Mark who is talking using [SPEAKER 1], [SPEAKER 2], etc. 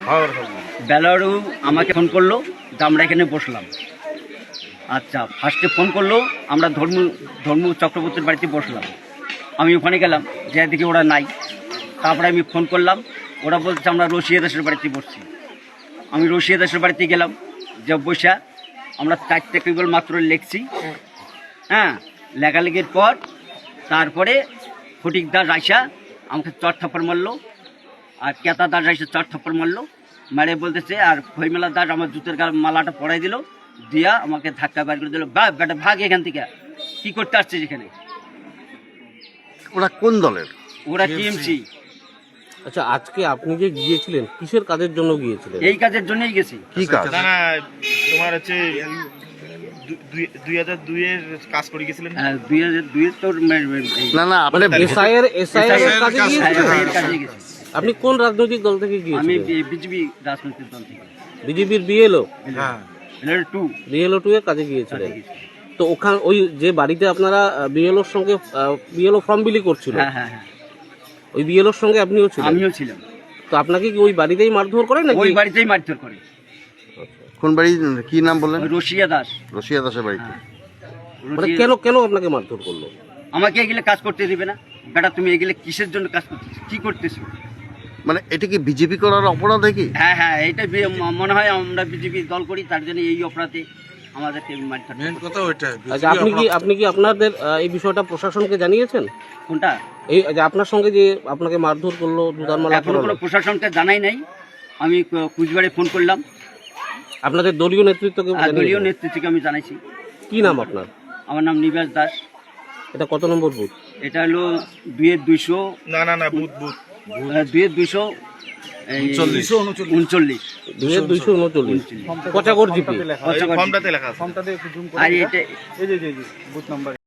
[SPEAKER 1] বেলারু আমাকে ফোন করলো যে আমরা এখানে বসলাম। আচ্ছা, ফার্স্টে ফোন করলো আমরা ধর্ম চক্রবর্তীর বাড়িতে বসলাম। আমি ওখানে গেলাম, যে দিকে ওরা নাই। তারপরে আমি ফোন করলাম, ওরা বলছে আমরা রশিয়া দাসের বাড়িতে বসছি। আমি রশিয়া দাসের বাড়িতে গেলাম, যে বসা আমরা 4টে কেবল মাত্র লিখছি। হ্যাঁ, লেখালেখির পর তারপরে ফটিক দাস আইসা আমাকে চট থাপ্পড় মারলো, আর কেতা দাস আইসা চট থাপ্পড় মারলো। মারে বলতেছে, আর খইমেলা দাস আমার জুতের মালাটা পরাই দিল, দিয়া আমাকে ধাক্কা বার করে দিল। বেটা ভাগ এখান থেকে, কি করতে আসছিস এখানে?
[SPEAKER 2] ওরা কোন দলের?
[SPEAKER 1] ওরা টিএমসি।
[SPEAKER 3] আচ্ছা, আজকে আপনি যে গিয়েছিলেন কিসের কাজের জন্য গিয়েছিলেন?
[SPEAKER 1] এই কাজের জন্যই গেছি।
[SPEAKER 2] কি কাজ?
[SPEAKER 4] না না, তোমার হচ্ছে 2002 এর কাজ করে গেছিলেন।
[SPEAKER 1] 2002 তোর
[SPEAKER 2] না না,
[SPEAKER 3] মানে
[SPEAKER 2] আপনি
[SPEAKER 3] এসআইআর কাজে গিয়েছিলেন?
[SPEAKER 1] এর কাজে গেছি।
[SPEAKER 3] আপনি কোন রাজনৈতিক দল থেকে
[SPEAKER 1] আমি
[SPEAKER 3] গিয়েছিলেন?
[SPEAKER 1] বিজেপি রাজনৈতিক দল থেকে।
[SPEAKER 3] বিজেপির বিএলও
[SPEAKER 4] হ্যাঁ,
[SPEAKER 1] টু
[SPEAKER 3] বিএলও 2 এর কাজে গিয়েছিলেন। তো ওখানে ওই যে বাড়িতে আপনারা বিএলওর সঙ্গে বিএলও ফর্ম বিলি করছিল,
[SPEAKER 1] হ্যাঁ হ্যাঁ হ্যাঁ,
[SPEAKER 3] ওই বিএলওর সঙ্গে আপনিও ছিলেন?
[SPEAKER 1] আমিও ছিলাম।
[SPEAKER 3] তো আপনাকে কি ওই বাড়িতেই মারধর করে নাকি?
[SPEAKER 1] ওই বাড়িতেই মারধর করে।
[SPEAKER 2] কোন বাড়ি, কি নাম বললেন?
[SPEAKER 1] ওই রশিয়া দাস।
[SPEAKER 2] রশিয়া দাসের বাড়িতে।
[SPEAKER 3] মানে কেন আপনাকে মারধর করলো?
[SPEAKER 1] আমাকে এগুলো কাজ করতে দিবে না। বেটা তুমি এগুলো কিসের জন্য কাজ করতেছো, কি করতেছো?
[SPEAKER 2] মানে এটা কি বিজেপি করার অপরাধ কি?
[SPEAKER 1] হ্যাঁ হ্যাঁ, এইটা মনে হয় আমরা বিজেপি দল করি, তার জন্য এই অপরাধে আমাদেরকে মারধর।
[SPEAKER 3] আচ্ছা, আপনি কি আপনাদের এই বিষয়টা প্রশাসনকে জানিয়েছেন?
[SPEAKER 1] কোনটা?
[SPEAKER 3] এই যে আপনার সঙ্গে যে আপনাকে মারধর করলো, জুতার মালা
[SPEAKER 1] এখনো কোনো
[SPEAKER 3] পরালো,
[SPEAKER 1] প্রশাসনকে জানাই নাই। আমি কুচবিহারে ফোন করলাম,
[SPEAKER 3] আপনাদের দলীয় নেতৃত্বকে
[SPEAKER 1] আর দলীয়
[SPEAKER 3] জানিয়েছেন?
[SPEAKER 1] নেতৃত্বকে আমি জানাইছি।
[SPEAKER 3] কি নাম আপনার?
[SPEAKER 1] আমার নাম নিবাস দাস।
[SPEAKER 3] এটা কত নম্বর বুথ?
[SPEAKER 1] এটা হলো 2-200
[SPEAKER 4] না না না, বুথ
[SPEAKER 1] 2-239।
[SPEAKER 3] 239 পচাগড় জিপি।
[SPEAKER 4] ফর্মটাতে লেখা আছে।
[SPEAKER 1] আর এটা